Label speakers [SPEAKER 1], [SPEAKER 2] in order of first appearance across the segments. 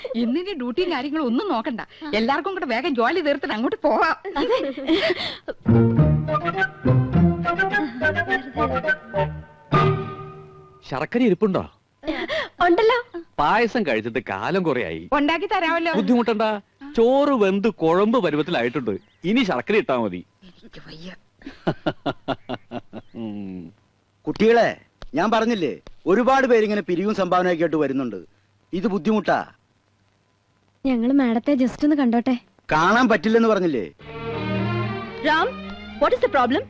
[SPEAKER 1] ഇന്നിന്റെ ഡ്യൂട്ടിയും കാര്യങ്ങളും ഒന്നും നോക്കണ്ട. എല്ലാവർക്കും കൂടെ വേഗം ജോലി തീർത്തിട്ട് അങ്ങോട്ട് പോവാം.
[SPEAKER 2] ശർക്കര ഇരിപ്പുണ്ടോ?
[SPEAKER 3] ഉണ്ടല്ലോ.
[SPEAKER 2] പായസം കഴിച്ചിട്ട് കാലം കുറയായി.
[SPEAKER 1] ഉണ്ടാക്കി തരാമല്ലോ.
[SPEAKER 2] ബുദ്ധിമുട്ടണ്ട. ചോറ് വെന്ത് കുഴമ്പ് പരുവത്തിലായിട്ടുണ്ട്. ഇനി ശർക്കര ഇട്ടാ മതി.
[SPEAKER 4] കുട്ടികളെ, ഞാൻ പറഞ്ഞില്ലേ, ഒരുപാട് പേരിങ്ങനെ പിരിവും സംഭാവനയൊക്കെ ആയിട്ട് വരുന്നുണ്ട്. ഇത് ബുദ്ധിമുട്ടാ.
[SPEAKER 3] ഞങ്ങള് മാഡത്തെ ജസ്റ്റ് ഒന്ന് കണ്ടോട്ടെ.
[SPEAKER 4] കാണാൻ പറ്റില്ലെന്ന് പറഞ്ഞില്ലേ?
[SPEAKER 3] Ram, what is the problem?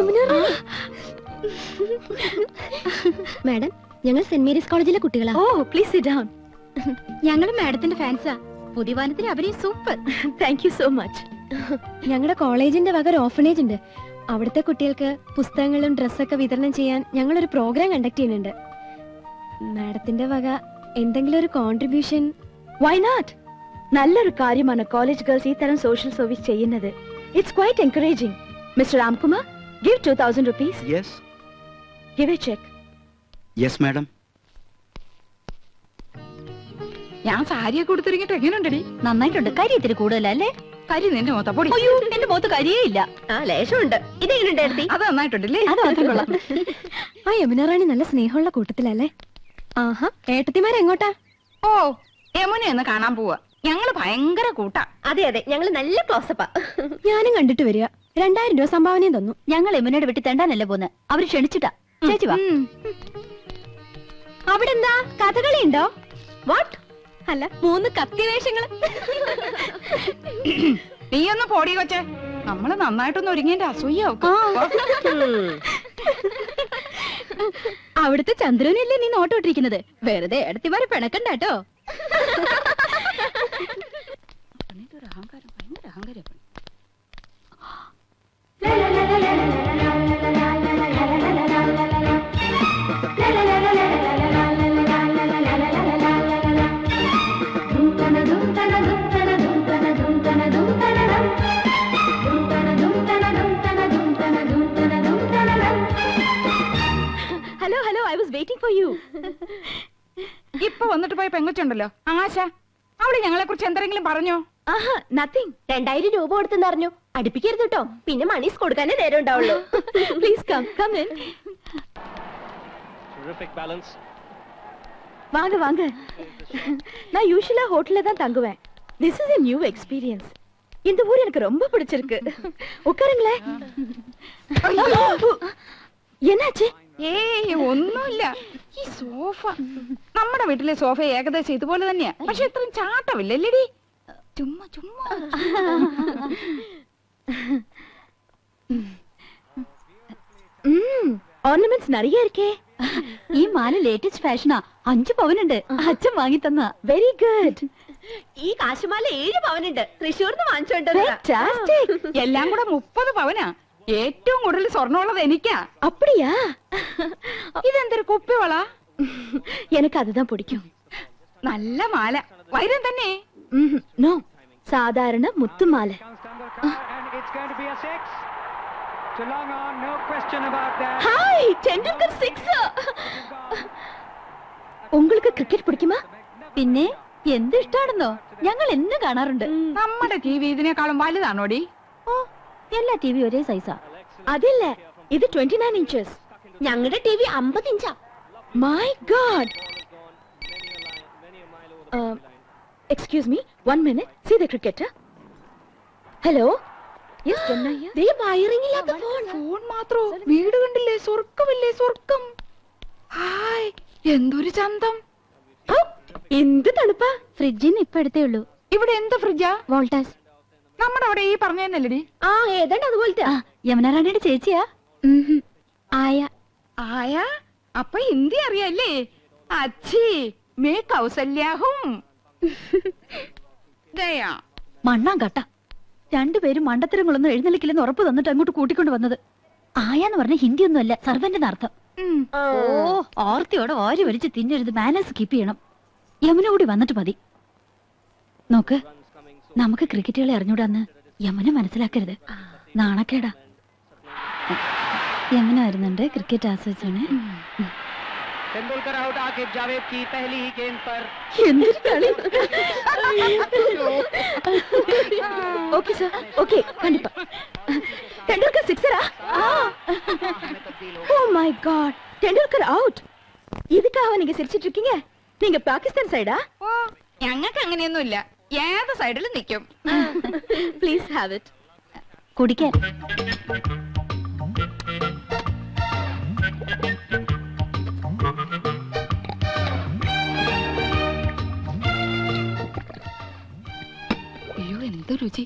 [SPEAKER 3] Madam, ഞങ്ങൾ സെന്റ് മേരീസ് കോളേജിലെ കുട്ടികളാ. ഓ, പ്ലീസ് സിറ്റ് ഡൗൺ. ഞങ്ങൾ മാഡത്തിന്റെ ഫാൻസാ. പുതിയ വാനത്തിന് അഭിനയം super. Thank you so much. ഞങ്ങളുടെ കോളേജിന്റെ വക ഒരു ഓർഫനേജ് ഉണ്ട്. അവിടുത്തെ കുട്ടികൾക്ക് പുസ്തകങ്ങളും ഡ്രസ്സൊക്കെ വിതരണം ചെയ്യാൻ ഞങ്ങളൊരു പ്രോഗ്രാം കണ്ടക്ട് ചെയ്യുന്നുണ്ട്. മാഡത്തിന്റെ വക എന്തെങ്കിലും ഒരു കോൺട്രിബ്യൂഷൻ? Why not? നല്ലൊരു കാര്യമാണ് കോളേജ് ഗേൾസ് ഈ തരം സോഷ്യൽ സർവീസ് ചെയ്യുന്നത്. It's quite encouraging. Mister Ramkumar, give 2000 rupees.
[SPEAKER 4] Yes.
[SPEAKER 3] Give a check.
[SPEAKER 4] Yes, madam.
[SPEAKER 1] ഞാൻ സാരിയൊക്കെ കൊടുത്തിരിക്കട്ടെ. എങ്ങനെയുണ്ടടി?
[SPEAKER 3] നന്നായിട്ടുണ്ട്. കരി ഇത്തിരി കൂടുതലല്ലേ?
[SPEAKER 1] കരി നിന്റെ മുഖത്ത പൊടി.
[SPEAKER 3] അയ്യോ, എന്റെ മുഖത്ത് കരിയേ ഇല്ല. ആ, ലേശമുണ്ട്. ഇതെങ്ങനെയുണ്ടായിരുന്നു?
[SPEAKER 1] അത് നന്നായിട്ടുണ്ടല്ലേ?
[SPEAKER 3] അത് മാത്രം കൊള്ളാം. ആ യമുന റാണി നല്ല സ്നേഹമുള്ള കൂട്ടത്തിലല്ലേ? ആഹാ, ഏട്ടത്തിമാരെങ്ങോട്ടാ?
[SPEAKER 1] ഓ, യമുനയൊന്ന് കാണാൻ പോവാ. ഞങ്ങള് ഭയങ്കര കൂട്ടാ.
[SPEAKER 3] അതെ അതെ, ഞങ്ങള് നല്ല ക്ലോസപ്പാ. ഞാനും കണ്ടിട്ട് വരിക. 2000 രൂപ സംഭാവനയും തന്നു. ഞങ്ങൾ യമുനയുടെ വീട്ടിൽ തെണ്ടാനല്ലേ പോന്ന്. അവര് ക്ഷണിച്ചിട്ടാ. ചേച്ചി വാ. അവിടെ എന്താ കഥകളി ഉണ്ടോ? വാട്ട്? അല്ല, 3 കത്തി വേഷങ്ങള്.
[SPEAKER 1] നീ ഒന്ന് പോടി കൊച്ചേ. നമ്മള് നന്നായിട്ടൊന്ന് ഒരുങ്ങിന്റെ അസൂയാവും.
[SPEAKER 3] അവിടുത്തെ ചന്ദ്രനല്ലേ നീ നോട്ടോട്ടിരിക്കുന്നത്? വെറുതെ എടുത്തിമാരെ പിണക്കണ്ടാട്ടോ.
[SPEAKER 1] അഹങ്കാരം, ഭയങ്കര അഹങ്കാരം.
[SPEAKER 3] Hello hello, I was waiting for you.
[SPEAKER 1] ഇപ്പൊ വന്നിട്ട് പോയ പെങ്കൊച്ചുണ്ടല്ലോ ആശ, അവള് ഞങ്ങളെ കുറിച്ച് എന്തെങ്കിലും പറഞ്ഞോ?
[SPEAKER 3] ആഹാ, നത്തിങ്. 2000 രൂപ കൊടുത്തെന്ന് അറിഞ്ഞു. അടുപ്പിക്കരുത് കേട്ടോ, പിന്നെ മണീസ് കൊടുക്കാനേ നേരം ഉണ്ടാവുള്ളൂ. Please come come in. வாங்க வாங்க. நான் யூசுவலா ஹோட்டல்ல தான் தங்குவேன். This is a new experience. இந்த ஊர் எனக்கு ரொம்ப பிடிச்சிருக்கு. உட்காருங்களே. என்னாச்சு?
[SPEAKER 1] ഏയ് ഒന്നുമില്ല. ഈ സോഫ, നമ്മുടെ വീട്ടിലെ സോഫ ഏകദേശം ഇതുപോലെ തന്നെയാ. പക്ഷെ ഇത്രയും ചാട്ടമില്ലല്ലേടി. ചുമ്മാ ചുമ്മാ.
[SPEAKER 3] ഓർണമെന്റ്സ് நிறைய இருக்கே. ഈ മാല ലേറ്റസ്റ്റ് ഫാഷനാ. 5 പവനുണ്ട്. അച്ഛൻ വാങ്ങി തന്ന. Very good. ഈ കാശുമാല 7 പവനുണ്ട്. തൃശ്ശൂർന്ന് വാങ്ങിച്ചോണ്ട്.
[SPEAKER 1] എല്ലാം കൂടെ 30 പവനാ. ഏറ്റവും കൂടുതൽ സ്വർണ്ണമുള്ളത് എനിക്കാ.
[SPEAKER 3] அப்படியா?
[SPEAKER 1] ഇതെന്തൊരു കുപ്പിവള?
[SPEAKER 3] எனக்கு அதுதான் பிடிக்கும்.
[SPEAKER 1] നല്ല മാല, വൈരം തന്നെ.
[SPEAKER 3] നോ, സാധാരണ മുത്തുമാല. ഹായ്, ടെണ്ടുൽക്കർ 6. உங்களுக்கு ക്രിക്കറ്റ് പിടിക്കുമോ? പിന്നെ എന്ത് ഇഷ്ടാണെന്നോ? ഞങ്ങൾ എന്നും കാണാറുണ്ട്.
[SPEAKER 1] നമ്മുടെ ടിവി ഇതിനേക്കാളും വലുതാണോടി?
[SPEAKER 3] ഓ, എല്ലാ ടിവി ഒരേ സൈസാ. അതില്ല, ഇത് 29 ഇഞ്ചസ്. ഞങ്ങളുടെ ടിവി 50 ഇഞ്ചാ. My God. Excuse me, 1 minute. See the cricketer. Hello. Yes, Chennai. ദേ വയറിംഗ് ഇല്ലാത്ത ഫോൺ.
[SPEAKER 1] ഫോൺ മാത്രോ? വീട് കണ്ടില്ലേ? സ്വർഗ്ഗമില്ലേ സ്വർഗ്ഗം. ഹായ്, എന്തൊരു ചന്തം.
[SPEAKER 3] എന്ത് തണുപ്പാ. ഫ്രിഡ്ജിന്ന് ഇപ്പൊ എടുത്തേ ഉള്ളൂ.
[SPEAKER 1] ഇവിടെ എന്ത് ഫ്രിഡ്ജാ?
[SPEAKER 3] വോൾട്ടാസ്.
[SPEAKER 1] നമ്മുടെ അവിടെ ഈ പറഞ്ഞതന്നല്ലേടി?
[SPEAKER 3] ആ, ഏതാണ്ട് അതുപോലത്തെ. യമുന റാണിയുടെ ചേച്ചിയാ. ആയ.
[SPEAKER 1] ആയ? അപ്പൊ ഹിന്ദി അറിയാല്ലേ? അച്ഛി മേ കൗസല്യാഹും. ദയാ
[SPEAKER 3] മണ്ണാൻ കട്ട. 2 പേരും മണ്ടത്തരങ്ങളൊന്നും എഴുന്നള്ളിക്കില്ലെന്ന് ഉറപ്പ് തന്നിട്ട് അങ്ങോട്ട് കൂട്ടിക്കൊണ്ട് വന്നത്. ആയാന്ന് പറഞ്ഞ ഹിന്ദി ഒന്നും അല്ല, സർവന്റിന്റെ അർത്ഥം. ഓ, ഓർത്തിയോടെ ഓരി വലിച്ച് തിന്നരുത്. മാനേഴ്സ് കീപ്പ് ചെയ്യണം. യമുന കൂടി വന്നിട്ട് മതി. നോക്ക്, നമുക്ക് ക്രിക്കറ്റ് കളി അറിഞ്ഞൂടാന്ന് യമുന മനസ്സിലാക്കരുത്. നാണക്കേടാ. യമുന വരുന്നുണ്ട്. ക്രിക്കറ്റ് ആസ്വദിച്ചാണ്.
[SPEAKER 5] तेंदुलकर आउट, आकिब जावेद की पहली ही गेंद पर।
[SPEAKER 3] എന്തൊരു കളി. சார் ஓகே கண்டிப்பா டெண்டுல்கர் சிக்ஸரா oh my God Tendulkar out இதுக்காக நீங்க சிரிச்சிட்டு இருக்கீங்க நீங்க பாகிஸ்தான் சைடா
[SPEAKER 1] ഓ ഞങ്ങൾക്ക് അങ്ങനെയൊന്നുമില്ല ഏത് സൈഡിലും നിൽക്കും
[SPEAKER 3] ப்ளீஸ் ஹேவ் இட் കുടിക്കാൻ
[SPEAKER 1] അയ്യോ എന്ത് രുചി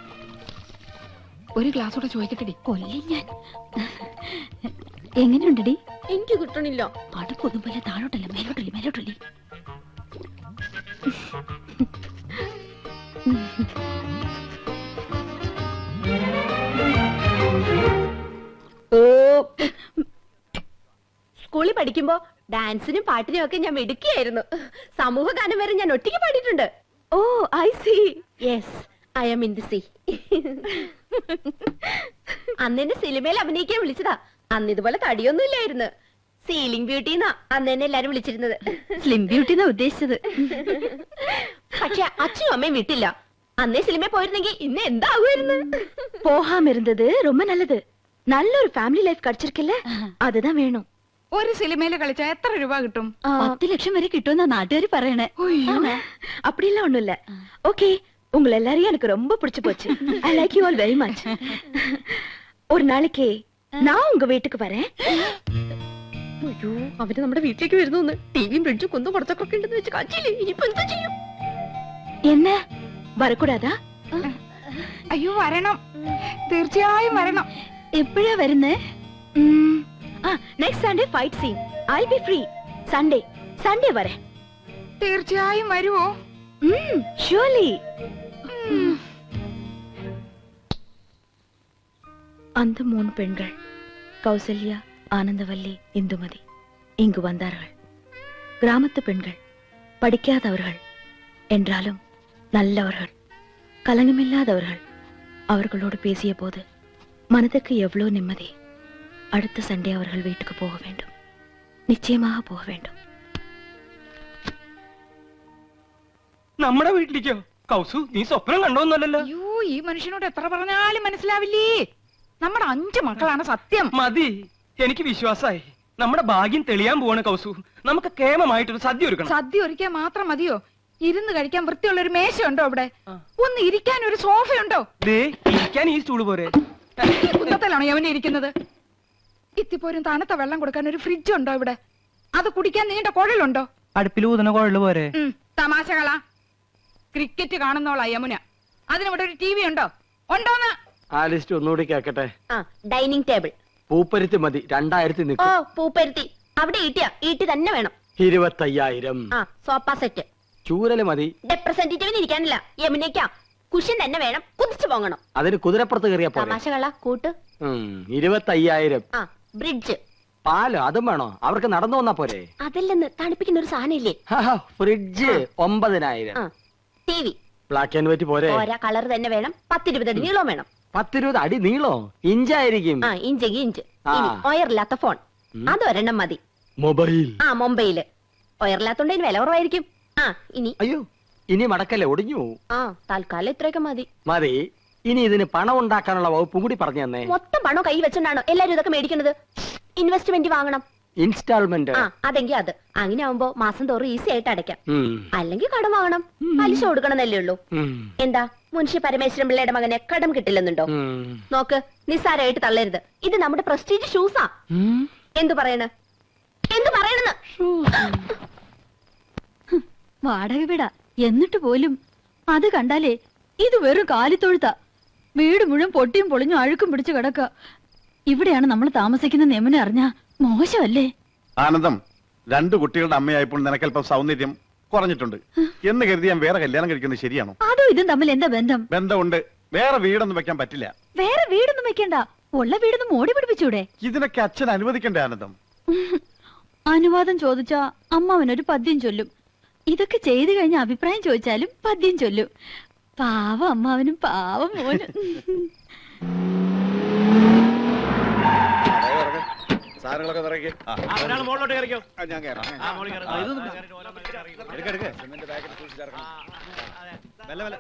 [SPEAKER 1] ഒരു ഗ്ലാസ് കൂടെ ചോദിക്കട്ടെടി
[SPEAKER 3] കൊല്ലി ഞാൻ എങ്ങനെയുണ്ടടി
[SPEAKER 5] എനിക്ക് കിട്ടണില്ല
[SPEAKER 3] അടുപ്പൊന്നും പോലെ താഴോട്ടല്ല മേലോട്ടല്ലേ മേലോട്ടല്ലേ
[SPEAKER 5] സ്കൂളിൽ പഠിക്കുമ്പോ ഡാൻസിനും പാട്ടിനും ഒക്കെ ഞാൻ മിടുക്കിയായിരുന്നു സമൂഹ ഗാനം വരെ ഞാൻ ഒറ്റയ്ക്ക് പാടിയിട്ടുണ്ട്
[SPEAKER 3] oh I see
[SPEAKER 5] yes I am in the C അന്ന് എന്നെ സിനിമയിൽ അഭിനയിക്കാൻ വിളിച്ചതാ അന്ന് ഇതുപോലെ തടിയൊന്നും ഇല്ലായിരുന്നു സീലിംഗ് ബ്യൂട്ടി എന്നാ അന്ന് എന്നെ എല്ലാരും വിളിച്ചിരുന്നത്
[SPEAKER 3] സ്ലിം ബ്യൂട്ടി എന്നാ ഉദ്ദേശിച്ചത്
[SPEAKER 5] പക്ഷെ അച്ഛനും അമ്മയും വിട്ടില്ല അന്നേ സിനിമയിൽ പോയിരുന്നെങ്കിൽ ഇന്ന് എന്താകുമായിരുന്നു
[SPEAKER 3] போகாம இருந்தது ரொம்ப நல்லது நல்ல ஒரு ஃபேமிலி லைஃப் கிடைச்சிருக்குல்ல அதுதான் வேணும்
[SPEAKER 1] ഒരു സിനിമയില് കളിച്ചാ എത്ര രൂപ കിട്ടും
[SPEAKER 3] 10 லட்சம் வரை கிட்டும்னா நாட்டுகாரி പറയണേ அப்படிலாம் ஒண்ணும் இல்ல ஓகே உங்களை எல்லாரையும் எனக்கு ரொம்ப பிடிச்சு போச்சு I like you all very much ஒரு நாளைக்கு நான் உங்க வீட்டுக்கு வரேன்
[SPEAKER 5] അയ്യോ അവര് നമ്മുടെ വീട്ടിലേക്ക് വരുന്നു ടിവിയും ഫ്രിഡ്ജും കുന്നും കുറച്ചൊക്കെ ഉണ്ടെന്ന് വെച്ച് കാച്ചില്ലേ ഇനിയിപ്പോ എന്താ ചെയ്യും
[SPEAKER 3] என்ன வரக்கூடாதா
[SPEAKER 1] അയ്യോ വരണം തീർച്ചയായും വരണം
[SPEAKER 3] എപ്പോഴാ വരുന്നേ next Sunday fight scene I be free Sunday Sunday വരെ
[SPEAKER 1] തീർച്ചയായും വരുവോ
[SPEAKER 3] ஷூர்லி அந்த 3 பெண்கள் கௌசல்யா ஆனந்தவல்லி இந்துமதி இங்கு வந்தார்கள் கிராமத்து பெண்கள் படிக்காதவர்கள் என்றாலும் நல்லவர்கள் கலங்கமில்லாதவர்கள் அவர்களோடு பேசிய போது மனதுக்கு எவ்வளவு நிம்மதி அடுத்த சண்டே அவர்கள் வீட்டுக்கு போக வேண்டும் நிச்சயமாக போக வேண்டும்
[SPEAKER 6] നമ്മുടെ വീട്ടിലേക്കോ കൗസു നീ സ്വപ്നം കണ്ടോന്നല്ലോ
[SPEAKER 1] അയ്യോ ഈ മനുഷ്യനോട് എത്ര പറഞ്ഞാലും മനസ്സിലാവില്ലേ നമ്മുടെ 5 മക്കളാണ് സത്യം
[SPEAKER 6] മതി എനിക്ക് വിശ്വാസായി നമ്മുടെ ഭാഗ്യം തെളിയാൻ പോവാണ് കൗസു നമുക്ക് കേമമായിട്ടൊരു സദ്യ ഒരുക്കണം
[SPEAKER 1] സദ്യ ഒരുക്കാൻ മാത്രം മതിയോ ഇരുന്ന് കഴിക്കാൻ വൃത്തിയുള്ള ഒരു മേശയുണ്ടോ അവിടെ ഒന്ന് ഇരിക്കാൻ ഒരു സോഫയുണ്ടോ
[SPEAKER 6] ദേ ഇരിക്കാൻ ഈ സ്റ്റൂള് പോരെ
[SPEAKER 1] ഈ കുന്നത്തിലാണോ യവനെ ഇരിക്കുന്നത് ഇത്തിപ്പോരും തണുത്ത വെള്ളം കൊടുക്കാൻ ഒരു ഫ്രിഡ്ജ് ഉണ്ടോ ഇവിടെ അത് കുടിക്കാൻ നീണ്ട കുഴലുണ്ടോ
[SPEAKER 6] അടുപ്പിൽ ഊതുന്ന കുഴല് പോരെ
[SPEAKER 1] തമാശകളാ ക്രിക്കറ്റ് കാണുന്നോളാ യമുന അതിനിവിടെ ഒരു ടി വി ഉണ്ടോ ഉണ്ടോന്ന്
[SPEAKER 4] ആ ലിസ്റ്റ് ഒന്നുകൂടി കേക്കട്ടെ
[SPEAKER 5] ആ ഡൈനിങ് ടേബിൾ
[SPEAKER 4] പൂപ്പരുത്തി മതി 2000
[SPEAKER 5] ഓ
[SPEAKER 4] നിൽക്കും
[SPEAKER 5] പൂപ്പരുത്തി അവിടെ ഈട്ടി തന്നെ വേണം
[SPEAKER 4] 25000
[SPEAKER 5] ആ സോഫ സെറ്റ്
[SPEAKER 4] ചൂരല് മതി
[SPEAKER 5] റെപ്രസെന്റേറ്റീവിന് ഇരിക്കാനില്ല യമുനയ്ക്കാ കുഷ്യൻ തന്നെ വേണം കുതിച്ചു പോകണം
[SPEAKER 4] അതിന് കുതിരപ്പുറത്ത് കയറിയ പോലെ
[SPEAKER 5] തമാശകള കൂട്ട്
[SPEAKER 4] 25000
[SPEAKER 5] ആ ബ്രിഡ്ജ്
[SPEAKER 4] പാല് അതും വേണോ അവർക്ക് നടന്നു വന്നാ പോരെ
[SPEAKER 5] അതല്ലെന്ന് തണുപ്പിക്കുന്ന ഒരു സാധനം ഇല്ലേ
[SPEAKER 4] ഫ്രിഡ്ജ് 9000
[SPEAKER 5] ആ T V
[SPEAKER 4] black and white പോരെ
[SPEAKER 5] ഓരോ കളർ തന്നെ വേണം 10-20 അടി നീളം വേണം
[SPEAKER 4] 10-20 അടി നീളോ ഇഞ്ചായിരിക്കും
[SPEAKER 5] ആ ഇഞ്ചെങ്കിൽ ഇഞ്ച്
[SPEAKER 4] ആ.
[SPEAKER 5] ഇനി ഒയറില്ലാത്ത ഫോൺ അതൊരെണ്ണം മതി
[SPEAKER 4] മൊബൈൽ
[SPEAKER 5] ആ മൊബൈല് ഒയറില്ലാത്തോണ്ട് ഇതിന് വില കുറവായിരിക്കും ആ ഇനി
[SPEAKER 4] അയ്യോ ഇനി മടക്കല്ലേ ഒടിഞ്ഞു പോവും.
[SPEAKER 5] ആ തൽക്കാലം ഇത്രയൊക്കെ മതി
[SPEAKER 4] മതി ഇനി ഇതിന് പണം ഉണ്ടാക്കാനുള്ള വകുപ്പും കൂടി പറഞ്ഞു തന്നെ
[SPEAKER 5] മൊത്തം പണം കൈ വെച്ചോണ്ടാണോ എല്ലാരും ഇതൊക്കെ മേടിക്കുന്നത് ഇൻവെസ്റ്റ്മെന്റ് വാങ്ങണം
[SPEAKER 4] ഇൻസ്റ്റാൾമെന്റ്
[SPEAKER 5] ആ അതെങ്കിൽ അത് അങ്ങനെ ആവുമ്പോ മാസം തോറും ഈസി ആയിട്ട് അടയ്ക്കാം അല്ലെങ്കിൽ കടം വാങ്ങണം പലിശ കൊടുക്കണമെന്നല്ലേ ഉള്ളൂ എന്താ മുൻഷി പരമേശ്വരൻ പിള്ളയുടെ മകനെ കടം കിട്ടില്ലെന്നുണ്ടോ നോക്ക് നിസ്സാരമായിട്ട് തള്ളരുത് ഇത് നമ്മുടെ പ്രസ്റ്റീജ് ഷൂസാ എന്തു പറയണ് എന്തു പറയണെന്ന്
[SPEAKER 3] വാടക വീടാ എന്നിട്ട് പോലും അത് കണ്ടാലേ ഇത് വെറും കാലിത്തൊഴുത്ത വീട് മുഴുവൻ പൊട്ടിയും പൊളിഞ്ഞും അഴുക്കും പിടിച്ചു കിടക്ക ഇവിടെയാണ് നമ്മൾ താമസിക്കുന്ന നെമനെ അറിഞ്ഞ മോശമല്ലേ
[SPEAKER 7] ആനന്ദം 2 കുട്ടികളുടെ അമ്മയായപ്പോൾ നിനക്കല്പം സൗന്ദര്യം കുറഞ്ഞിട്ടുണ്ട് എന്ന് കരുതി ഞാൻ വേറെ കല്യാണം കഴിക്കുന്നത് ശരിയാണോ
[SPEAKER 3] അതും ഇതും തമ്മിൽ എന്താ ബന്ധം
[SPEAKER 7] ബന്ധമുണ്ട് വേറെ വീടൊന്നും വെക്കാൻ പറ്റില്ല
[SPEAKER 3] വേറെ വീടൊന്നും വെക്കണ്ട ഉള്ള വീടൊന്നും മോടി പിടിപ്പിച്ചൂടെ
[SPEAKER 7] ഇതിനൊക്കെ അച്ഛൻ അനുവദിക്കണ്ടേ ആനന്ദം
[SPEAKER 3] അനുവാദം ചോദിച്ചാ അമ്മാവനൊരു പദ്യം ചൊല്ലും ഇതൊക്കെ ചെയ്തു കഴിഞ്ഞ അഭിപ്രായം ചോദിച്ചാലും പദ്യം ചൊല്ലും പാവം അമ്മാവനും പാവം മോനും
[SPEAKER 7] സാധനങ്ങളൊക്കെ നിറയ്ക്ക്.
[SPEAKER 2] ഒരാൾ മുകളിലോട്ട് കയറിക്കോ.
[SPEAKER 7] ഞാൻ കയറാം. എടുക്ക്, എടുക്ക്. സിമന്റ് പാക്കറ്റ് സൂക്ഷിച്ചിറക്കണം. മെല്ലെ, മെല്ലെ.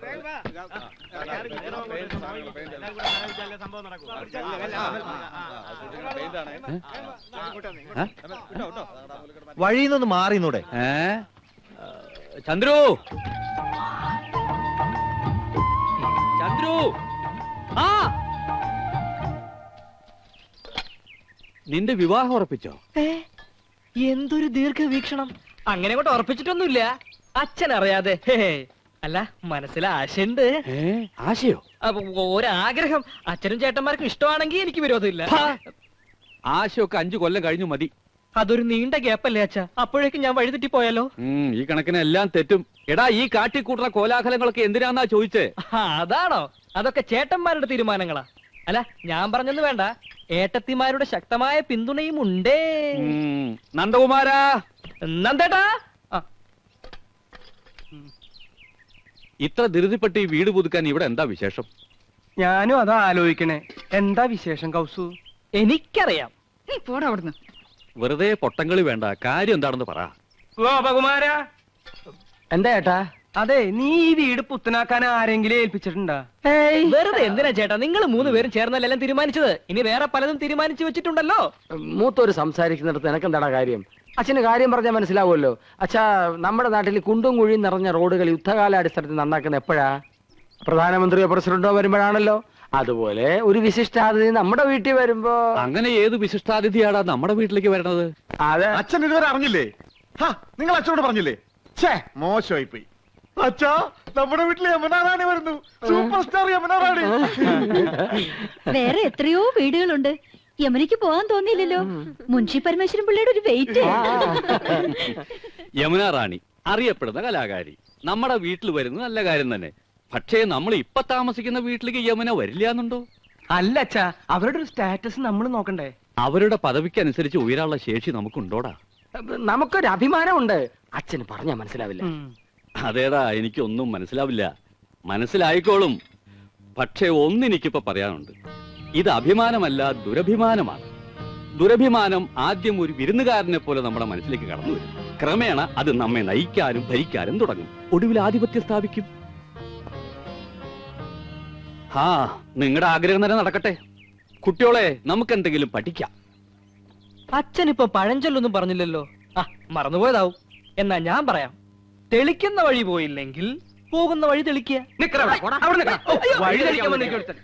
[SPEAKER 8] വഴിയിൽ നിന്ന് മാറിന്നൂടെ?
[SPEAKER 2] ചന്ദ്രു, ചന്ദ്രു, ആ നിന്റെ വിവാഹം ഉറപ്പിച്ചോ?
[SPEAKER 6] എന്തൊരു ദീർഘവീക്ഷണം. അങ്ങനെ കൊണ്ട് ഉറപ്പിച്ചിട്ടൊന്നുമില്ല, അച്ഛൻ അറിയാതെ. അല്ല, മനസ്സിൽ ആശയുണ്ട്.
[SPEAKER 2] ആശയോ?
[SPEAKER 6] ഒരാഗ്രഹം. അച്ഛനും ചേട്ടന്മാർക്കും ഇഷ്ടമാണെങ്കിൽ എനിക്ക് വിരോധമില്ല.
[SPEAKER 2] ആശയൊക്കെ 5 കൊല്ലം കഴിഞ്ഞു മതി.
[SPEAKER 6] അതൊരു നീണ്ട ഗ്യാപ്പല്ലേ അച്ഛാ? അപ്പോഴേക്കും ഞാൻ വഴിതെറ്റി പോയാലോ?
[SPEAKER 2] ഈ കണക്കിന് എല്ലാം തെറ്റും. എടാ, ഈ കാട്ടിക്കൂട്ടുന്ന കോലാഹലങ്ങളൊക്കെ എന്തിനാന്നാ ചോദിച്ചേ?
[SPEAKER 6] അതാണോ? അതൊക്കെ ചേട്ടന്മാരുടെ തീരുമാനങ്ങളാ. അല്ല, ഞാൻ പറഞ്ഞൊന്നും വേണ്ട, ഏട്ടത്തിമാരുടെ ശക്തമായ പിന്തുണയും ഉണ്ടേ.
[SPEAKER 2] നന്ദകുമാരാ,
[SPEAKER 6] നന്ദേട്ടാ.
[SPEAKER 2] ഇത്ര ധൃതിപ്പെട്ട് ഈ വീട് പുതുക്കാൻ ഇവിടെ എന്താ വിശേഷം?
[SPEAKER 6] ഞാനും അതാ ആലോചിക്കണേ. എന്താ വിശേഷം കൗസു? എനിക്കറിയാം.
[SPEAKER 1] നീ പോടാ അവിടുന്ന്.
[SPEAKER 2] വെറുതെ പൊട്ടങ്കളി വേണ്ട, കാര്യം എന്താണെന്ന് പറ.
[SPEAKER 6] ഗോപകുമാര. എന്താ ചേട്ടാ? അതെ, നീ ഈ വീട് പുത്തനാക്കാൻ ആരെങ്കിലും ഏൽപ്പിച്ചിട്ടുണ്ടാ? വെറുതെ എന്തിനാ ചേട്ടാ, നിങ്ങൾ 3 പേരും ചേർന്നല്ലെല്ലാം തീരുമാനിച്ചത്. ഇനി വേറെ പലതും തീരുമാനിച്ചു വെച്ചിട്ടുണ്ടല്ലോ.
[SPEAKER 9] മൂത്തോര് സംസാരിക്കുന്നിടത്ത് എനക്കെന്താടാ കാര്യം? അച്ഛന് കാര്യം പറഞ്ഞാൽ മനസ്സിലാവുമല്ലോ. അച്ഛാ, നമ്മുടെ നാട്ടിൽ കുണ്ടും കുഴിയും നിറഞ്ഞ റോഡുകൾ യുദ്ധകാലാടിസ്ഥാനത്തിൽ നന്നാക്കുന്ന എപ്പോഴാ? പ്രധാനമന്ത്രിയോ പ്രസിഡന്റോ വരുമ്പോഴാണല്ലോ. അതുപോലെ ഒരു വിശിഷ്ടാതിഥി നമ്മുടെ വീട്ടിൽ വരുമ്പോ.
[SPEAKER 2] അങ്ങനെ ഏത് വിശിഷ്ടാതിഥിയാടാ നമ്മുടെ വീട്ടിലേക്ക് വരണത്?
[SPEAKER 9] അതെ,
[SPEAKER 7] അച്ഛൻ ഇതുവരെ അറിഞ്ഞില്ലേ? നിങ്ങൾ അച്ഛനോട് പറഞ്ഞില്ലേ? ഛേ, മോശമായി പോയി. അച്ഛാ, നമ്മുടെ വീട്ടിൽ യമുന റാണി വരുന്നു. Super star Yamuna Rani.
[SPEAKER 3] വേറെ എത്രയോ വീടുകളുണ്ട്. യമുനയ്ക്ക് പോകാൻ തോന്നിയില്ലല്ലോ. മുൻഷി പരമേശ്വരൻ പിള്ളയുടെ ഒരു വെയിറ്റ്.
[SPEAKER 2] യമുന റാണി അറിയപ്പെടുന്ന കലാകാരി നമ്മുടെ വീട്ടിൽ വരുന്നത് നല്ല കാര്യം തന്നെ. പക്ഷേ നമ്മൾ ഇപ്പൊ താമസിക്കുന്ന വീട്ടിലേക്ക് യമുന വരില്ല എന്നുണ്ടോ?
[SPEAKER 6] അല്ല അച്ഛാ, അവരുടെ ഒരു സ്റ്റാറ്റസ് നമ്മൾ നോക്കണ്ടേ?
[SPEAKER 2] അവരുടെ പദവിക്കനുസരിച്ച് ഉയരാനുള്ള ശേഷി നമുക്കുണ്ടോടാ?
[SPEAKER 9] നമുക്കൊരു അഭിമാനമുണ്ട്. അച്ഛന് പറഞ്ഞാൽ മനസ്സിലാവില്ല.
[SPEAKER 2] അതേടാ, എനിക്കൊന്നും മനസ്സിലാവില്ല. മനസ്സിലായിക്കോളും. പക്ഷേ ഒന്നെനിക്കിപ്പോ പറയാനുണ്ട്. ഇത് അഭിമാനമല്ല, ദുരഭിമാനമാണ്. ദുരഭിമാനം ആദ്യം ഒരു വിരുന്നുകാരനെ പോലെ നമ്മുടെ മനസ്സിലേക്ക് കടന്നു വരും. ക്രമേണ അത് നമ്മെ നയിക്കാനും ഭരിക്കാനും തുടങ്ങും. ഒടുവിൽ ആധിപത്യം സ്ഥാപിക്കും. നിങ്ങളുടെ ആഗ്രഹം തന്നെ നടക്കട്ടെ. കുട്ടിയോളെ, നമുക്ക് എന്തെങ്കിലും പഠിക്കാം.
[SPEAKER 6] അച്ഛനിപ്പോ പഴഞ്ചൊല്ലൊന്നും പറഞ്ഞില്ലല്ലോ. മറന്നുപോയതാവും. എന്നാ ഞാൻ പറയാം. തെളിക്കുന്ന വഴി പോയില്ലെങ്കിൽ പോകുന്ന വഴി തെളിക്കുക. വഴി തെളിക്കാൻ വന്നിരിക്കും.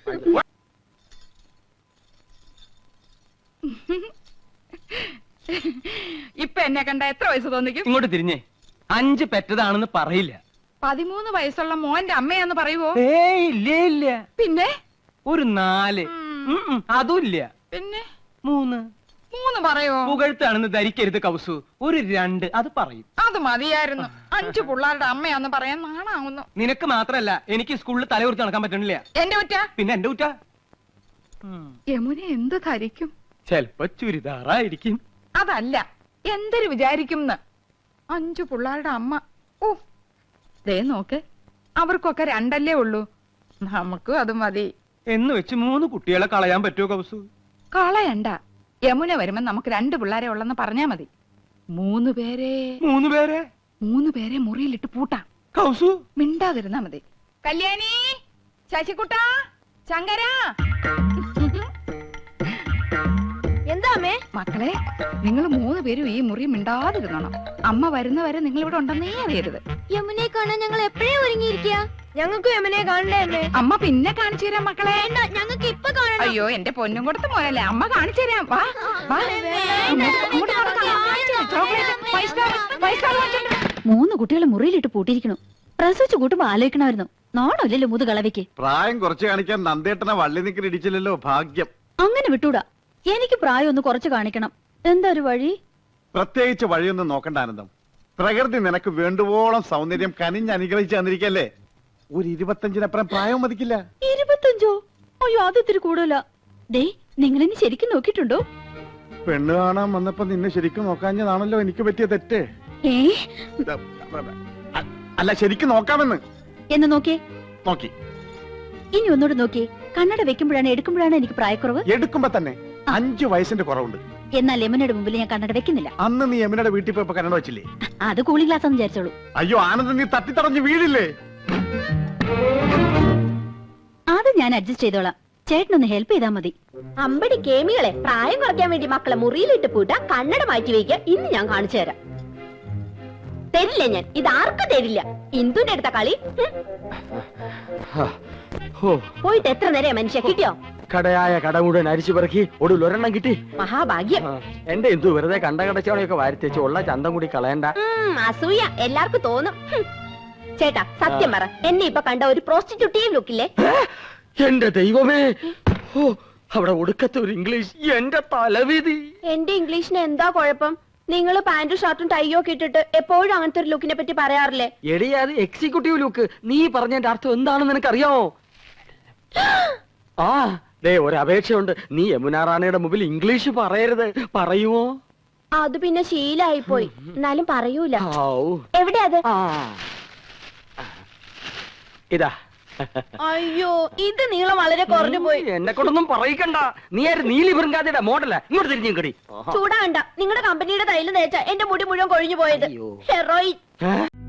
[SPEAKER 1] ഇപ്പൊ എന്നെ കണ്ട എത്ര വയസ്സ് തോന്നിക്കും?
[SPEAKER 6] ഇങ്ങോട്ട് തിരിഞ്ഞേ. 5 പെറ്റതാണെന്ന് പറയില്ല.
[SPEAKER 1] 13 വയസ്സുള്ള മോന്റെ അമ്മയാന്ന് പറയുവോ?
[SPEAKER 6] ഇല്ലേ ഇല്ല.
[SPEAKER 1] പിന്നെ
[SPEAKER 6] ഒരു 4. അതും ഇല്ല.
[SPEAKER 1] പിന്നെ
[SPEAKER 6] 3
[SPEAKER 1] പറയോ?
[SPEAKER 6] പുകഴ്ത്താണെന്ന് ധരിക്കരുത് കൗസു. ഒരു 2 അത് പറയും.
[SPEAKER 1] അത് മതിയായിരുന്നു. 5 പിള്ളേരുടെ അമ്മയാന്ന് പറയാൻ നാണാവുന്നു.
[SPEAKER 6] നിനക്ക് മാത്രല്ല, എനിക്ക് സ്കൂളിൽ തലകുറിച്ച് നടക്കാൻ പറ്റണില്ല.
[SPEAKER 1] എന്റെ കുറ്റ?
[SPEAKER 6] പിന്നെ എന്റെ കുറ്റ.
[SPEAKER 1] യമുന എന്ത് ധരിക്കും?
[SPEAKER 6] ചെലപ്പോ ചുരിദാറായിരിക്കും.
[SPEAKER 1] അതല്ല, എന്തൊരു വിചാരിക്കും? 5 പിള്ളേരുടെ അമ്മ. ഓ, ദേ നോക്ക്, അവർക്കൊക്കെ 2 ഉള്ളൂ. നമുക്കും അത് മതി.
[SPEAKER 6] എന്ന് വെച്ച് 3 കുട്ടികളെ കളയാൻ പറ്റുമോ കൗസു?
[SPEAKER 1] കളയണ്ട. യമുന വരുമ്പോ നമുക്ക് 2 പിള്ളേരെ ഉള്ളെന്ന് പറഞ്ഞാ മതി. 3 പേരെ 3 പേരെ മുറിയിലിട്ട് പൂട്ടാം.
[SPEAKER 6] കൗസു
[SPEAKER 1] മിണ്ടാതിരുന്നാ മതി. കല്യാണി, ശശികുട്ട, ശങ്കര.
[SPEAKER 3] എന്താ അമ്മേ?
[SPEAKER 1] മക്കളെ, നിങ്ങൾ 3 പേരും ഈ മുറി മിണ്ടാതിരുന്നോണം. അമ്മ വരുന്നവരെ നിങ്ങൾ ഇവിടെ ഉണ്ടെന്നേ അറിയരുത്.
[SPEAKER 3] യമുനയെ കാണാൻ ഞങ്ങൾ എപ്പോഴേ ഒരുങ്ങിയിരിക്കുക. ഞങ്ങൾക്ക് യമുനയെ കാണണ്ടേ അമ്മേ?
[SPEAKER 1] അമ്മ പിന്നെ കാണിച്ചു തരാം മക്കളെ.
[SPEAKER 3] ഞങ്ങൾക്ക് ഇപ്പൊ കാണണം.
[SPEAKER 1] അയ്യോ, എന്റെ പൊന്നും കൊടുത്ത് മോനല്ലേ, അമ്മ കാണിച്ചു തരാം. വാ, വാ. അങ്ങോട്ട് നടക്കാം. ചോക്ലേറ്റ്, 5 സ്റ്റാർ വാങ്ങിച്ചോണ്ട് വാ.
[SPEAKER 3] 3 കുട്ടികളെ മുറിയിലിട്ട് പൂട്ടിയിരിക്കണു. പ്രസവിച്ചു കൂട്ടുമ്പോ ആലോചിക്കണമായിരുന്നു. നാണമില്ലല്ലോ മുതുകളവയ്ക്ക്.
[SPEAKER 7] പ്രായം കുറച്ച് കാണിക്കാൻ നന്ദേട്ടനെ വള്ളി നിൽക്കി ഇടിച്ചില്ലല്ലോ. ഭാഗ്യം.
[SPEAKER 3] അങ്ങനെ വിട്ടൂടാ. എനിക്ക് പ്രായം ഒന്ന് കുറച്ച് കാണിക്കണം. എന്താ ഒരു വഴി?
[SPEAKER 7] പ്രത്യേകിച്ച് വഴിയൊന്നും നോക്കണ്ട ആനന്ദം. പ്രകൃതി നിനക്ക് വേണ്ടുവോളം സൗന്ദര്യം കനിഞ്ഞ് അനുഗ്രഹിച്ച് തന്നിരിക്കല്ലേ. ഒരു 25-നപ്പുറം പ്രായം മതിക്കില്ല.
[SPEAKER 3] 25? അയ്യോ, അത് ഇത്തിരി കൂടുതലാ. ദേ, നിങ്ങളെന്നെ ശരിക്കും നോക്കിയിട്ടുണ്ടോ?
[SPEAKER 7] പെണ്ണ് കാണാൻ വന്നപ്പോ നിന്നെ ശരിക്കും നോക്കാഞ്ഞതാണല്ലോ എനിക്ക് പറ്റിയ തെറ്റ്. അല്ല, ശരിക്കും നോക്കാമെന്ന്.
[SPEAKER 3] എന്ന് നോക്കിയേ.
[SPEAKER 7] നോക്കി.
[SPEAKER 3] ഇനി ഒന്നുകൂടെ നോക്കിയേ. കണ്ണട വെക്കുമ്പോഴാണ് എടുക്കുമ്പോഴാണ് എനിക്ക് പ്രായക്കുറവ്.
[SPEAKER 7] എടുക്കുമ്പോ തന്നെ 5 വയസ്സിന്റെ കുറവുണ്ട്.
[SPEAKER 3] എന്നാൽ യമുനയുടെ മുമ്പിൽ ഞാൻ കണ്ണട വെക്കുന്നില്ല.
[SPEAKER 7] അന്ന് നീ യമുനയുടെ വീട്ടിൽ പോയപ്പോ കന്നഡ വെച്ചില്ലേ?
[SPEAKER 3] അത് കൂളിംഗ് ഗ്ലാസ് എന്ന് വിചാരിച്ചോളൂ.
[SPEAKER 7] അയ്യോ ആനന്ദ്, നീ തട്ടിത്തടഞ്ഞ് വീഴില്ലേ?
[SPEAKER 3] അത് ഞാൻ അഡ്ജസ്റ്റ് ചെയ്തോളാം. ചേട്ടനൊന്ന് ഹെൽപ്പ് ചെയ്താൽ മതി.
[SPEAKER 5] അമ്പടി കേമികളെ പ്രായം കുറയ്ക്കാൻ വേണ്ടി മക്കളെ മുറിയിലിട്ട് പൂട്ട കണ്ണട മാറ്റി വയ്ക്കുക. ഇന്ന് ഞാൻ കാണിച്ചു തരാം. തരില്ല ഞാൻ, ഇത് ആർക്കും തരില്ല. ഇന്ദുന്റെ അടുത്ത കളി. പോയിട്ട് എത്ര നേരം മനുഷ്യ കിട്ടിയോ?
[SPEAKER 9] കടയായ കട മുഴുവൻ അരിച്ചു പെറുക്കി ഒടുവിൽ ഒരെണ്ണം കിട്ടി.
[SPEAKER 5] മഹാഭാഗ്യം.
[SPEAKER 9] എന്റെ എന്തു വെറുതെ കണ്ട കടച്ചവണയൊക്കെ വാരിത്തേച്ച് ഉള്ള ചന്തം കൂടി കളയണ്ട.
[SPEAKER 5] അസൂയ എല്ലാവർക്കും തോന്നും. ചേട്ടാ സത്യം പറ, എന്നെ ഇപ്പൊ കണ്ട ഒരു പ്രോസ്റ്റിറ്റ്യൂട്ടീവ് ലുക്കില്ലേ?
[SPEAKER 9] എന്റെ ദൈവമേ, ഓ അവിടെ ഒടുക്കത്തെ ഒരു ഇംഗ്ലീഷ്. എന്റെ തലവിധി.
[SPEAKER 5] എന്റെ ഇംഗ്ലീഷിന് എന്താ കുഴപ്പം? നിങ്ങൾ പാന്റും ഷർട്ടും ടൈയോ ഒക്കെ ഇട്ടിട്ട് എപ്പോഴും അങ്ങനത്തെ ഒരു ലുക്കിനെ പറ്റി പറയാറില്ലേ?
[SPEAKER 9] എടിയാ, അത് എക്സിക്യൂട്ടീവ് ലുക്ക്. നീ പറഞ്ഞതിന്റെ അർത്ഥം എന്താണെന്ന് നിനക്കറിയാമോ? ആ ദേ ഒരു അപേക്ഷയുണ്ട്. നീ യമുന റാണിയുടെ മുമ്പിൽ ഇംഗ്ലീഷ് പറയരുത്. പറയുമോ?
[SPEAKER 5] അത് പിന്നെ ശീലായി പോയി. എന്നാലും പറയൂല.
[SPEAKER 9] ഔ.
[SPEAKER 5] എവിടെ അത്?
[SPEAKER 9] ആ. ഇതാ.
[SPEAKER 5] അയ്യോ, ഇത് നീളം വളരെ കുറഞ്ഞു പോയി.
[SPEAKER 9] എന്നെ കൊണ്ടൊന്നും പറയിക്കണ്ട. നീ ആര്? നീലി ബൃങ്കാതിയുടെ മോഡലാ. ഇങ്ങോട്ട് തിരിഞ്ഞു കടി.
[SPEAKER 5] ചൂടാണ്ട. നിങ്ങളുടെ കമ്പനിയുടെ തൈല് തേച്ച എന്റെ മുടി മുഴുവൻ കൊഴിഞ്ഞു പോയത്. ഹെറോയിൻ.